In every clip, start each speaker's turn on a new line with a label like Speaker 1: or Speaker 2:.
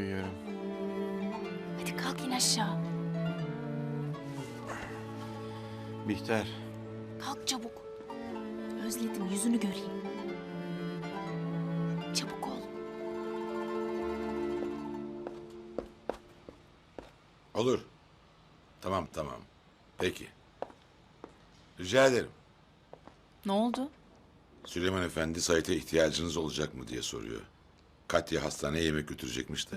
Speaker 1: uyuyorum.
Speaker 2: Hadi kalk in aşağı.
Speaker 1: Bihter,
Speaker 2: Kalk çabuk. Özledim, yüzünü göreyim. Çabuk ol.
Speaker 3: Olur. Tamam. Peki. Rica ederim.
Speaker 2: Ne oldu?
Speaker 3: Süleyman Efendi Sait'e ihtiyacınız olacak mı diye soruyor. Katya hastaneye yemek götürecekmiş de.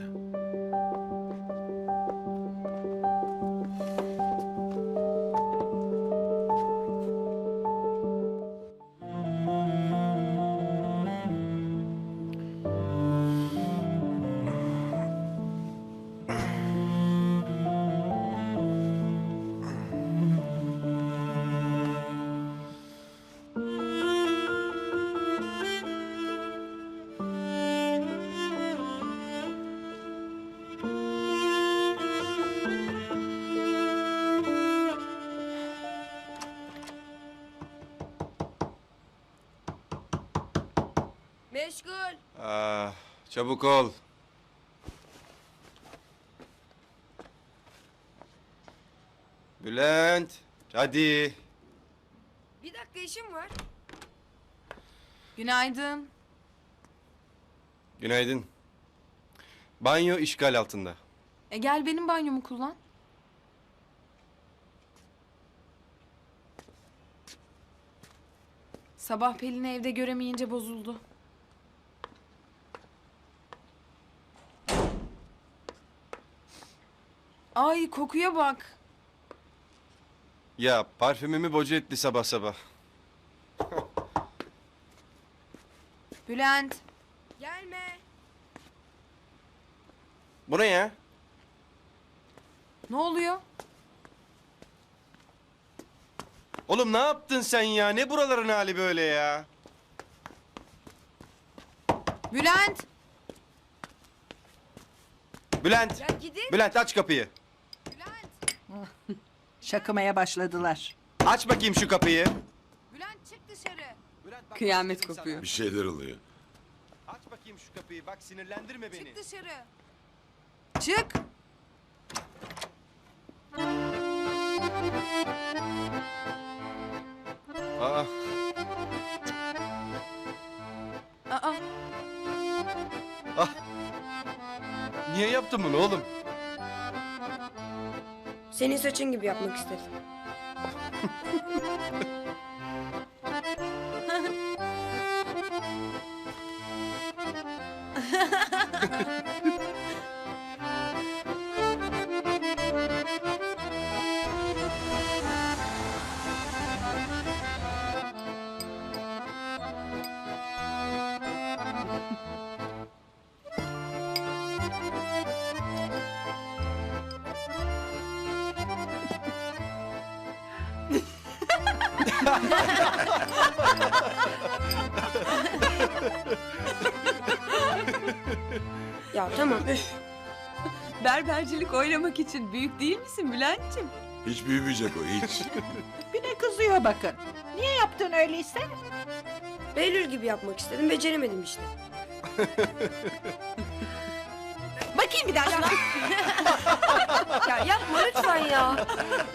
Speaker 4: Meşgul.
Speaker 1: çabuk ol. Bülent, hadi.
Speaker 4: Bir dakika işim var.
Speaker 5: Günaydın.
Speaker 1: Günaydın. Banyo işgal altında.
Speaker 5: Gel benim banyomu kullan. Sabah Pelin'i evde göremeyince bozuldu. Ay kokuya bak.
Speaker 1: Ya parfümümü boca etti sabah sabah.
Speaker 5: Bülent.
Speaker 4: Gelme.
Speaker 1: Bu ne ya?
Speaker 5: Ne oluyor?
Speaker 1: Oğlum ne yaptın sen ya? Ne buraların hali böyle ya?
Speaker 5: Bülent.
Speaker 1: Bülent,
Speaker 4: Ya gidin.
Speaker 1: Bülent aç kapıyı.
Speaker 5: Bülent.
Speaker 6: Şakımaya başladılar.
Speaker 1: Aç bakayım şu kapıyı.
Speaker 5: Bülent çık dışarı.
Speaker 1: Bülent, bak,
Speaker 5: Kıyamet
Speaker 1: bak dedim
Speaker 5: kopuyor.
Speaker 3: Bir şeyler oluyor.
Speaker 1: sana. Aç bakayım şu kapıyı. Bak sinirlendirme beni.
Speaker 5: Çık dışarı. Çık.
Speaker 1: Aa,
Speaker 5: Aa.
Speaker 1: niye yaptın bunu oğlum?
Speaker 4: Senin saçın gibi yapmak istedim. Ya tamam üf.
Speaker 7: Berbercilik oynamak için büyük değil misin Bülent'ciğim?
Speaker 3: Hiç büyümeyecek o, hiç.
Speaker 6: Bir de kızıyor bakın. Niye yaptın öyleyse?
Speaker 4: Behlül gibi yapmak istedim. Beceremedim işte.
Speaker 7: Bakayım bir daha şuna.
Speaker 4: Ya yapma lütfen ya.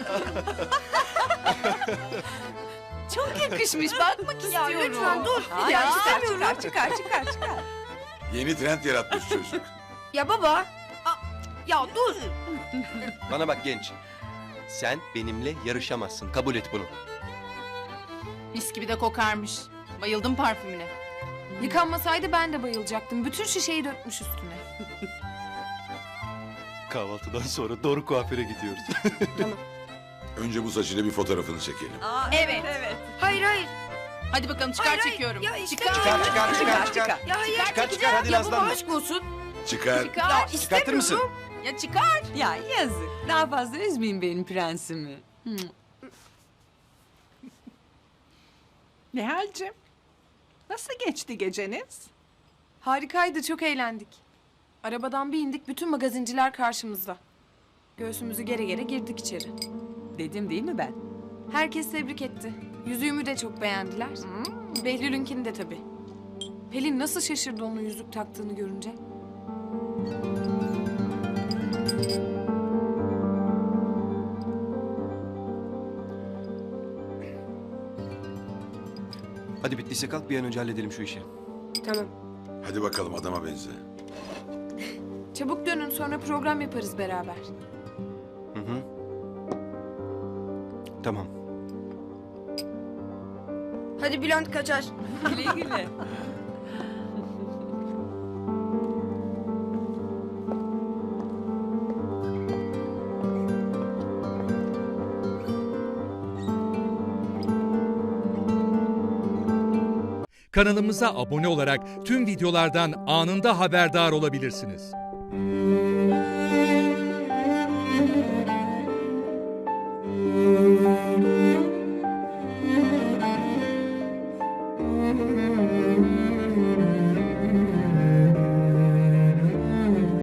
Speaker 7: Çok yakışmış, bakmak
Speaker 4: Ya
Speaker 7: istiyorum.
Speaker 4: lütfen dur.
Speaker 7: Ya,
Speaker 4: Ya
Speaker 7: istemiyorum.
Speaker 4: istemiyorum.
Speaker 7: Çıkar.
Speaker 3: Yeni trend yaratmış çocuk.
Speaker 4: Ya baba. Ya dur.
Speaker 1: Bana bak genç. Sen benimle yarışamazsın. Kabul et bunu.
Speaker 5: Mis gibi de kokarmış. Bayıldım parfümüne. Yıkanmasaydı ben de bayılacaktım. Bütün şişeyi dökmüş üstüne.
Speaker 1: Kahvaltıdan sonra doğru kuaföre gidiyoruz.
Speaker 3: Önce bu saçıyla bir fotoğrafını çekelim.
Speaker 7: Evet.
Speaker 4: Hayır.
Speaker 5: Hadi bakalım çıkar
Speaker 4: Hayır, hayır.
Speaker 5: çekiyorum.
Speaker 4: Ya işte
Speaker 1: Çıkar.
Speaker 4: Ya hayır.
Speaker 1: Çıkar, hadi
Speaker 4: Ya baba
Speaker 1: nazlanma.
Speaker 4: aşk olsun.
Speaker 3: Çıkar.
Speaker 4: Ya
Speaker 1: Çıkartır
Speaker 4: istemiyorum.
Speaker 1: mısın?
Speaker 5: Ya çıkar.
Speaker 7: Ya yazık. Daha fazla üzmeyin benim prensimi.
Speaker 6: Nihal'cim, nasıl geçti geceniz?
Speaker 5: Harikaydı, çok eğlendik. Arabadan bir indik, bütün magazinciler karşımızda. Göğsümüzü gere gere girdik içeri.
Speaker 7: Dedim değil mi ben?
Speaker 5: Herkes tebrik etti. Yüzüğümü de çok beğendiler. Behlül'ünkini de tabii. Pelin nasıl şaşırdı onun yüzük taktığını görünce.
Speaker 1: Hadi bittiyse kalk bir an önce halledelim şu işi.
Speaker 4: Tamam.
Speaker 3: Hadi bakalım adama benze.
Speaker 5: Çabuk dönün sonra program yaparız beraber.
Speaker 1: Hı hı. Tamam.
Speaker 4: Hadi Bülent kaçar.
Speaker 7: Güle güle.
Speaker 8: Kanalımıza abone olarak tüm videolardan anında haberdar olabilirsiniz.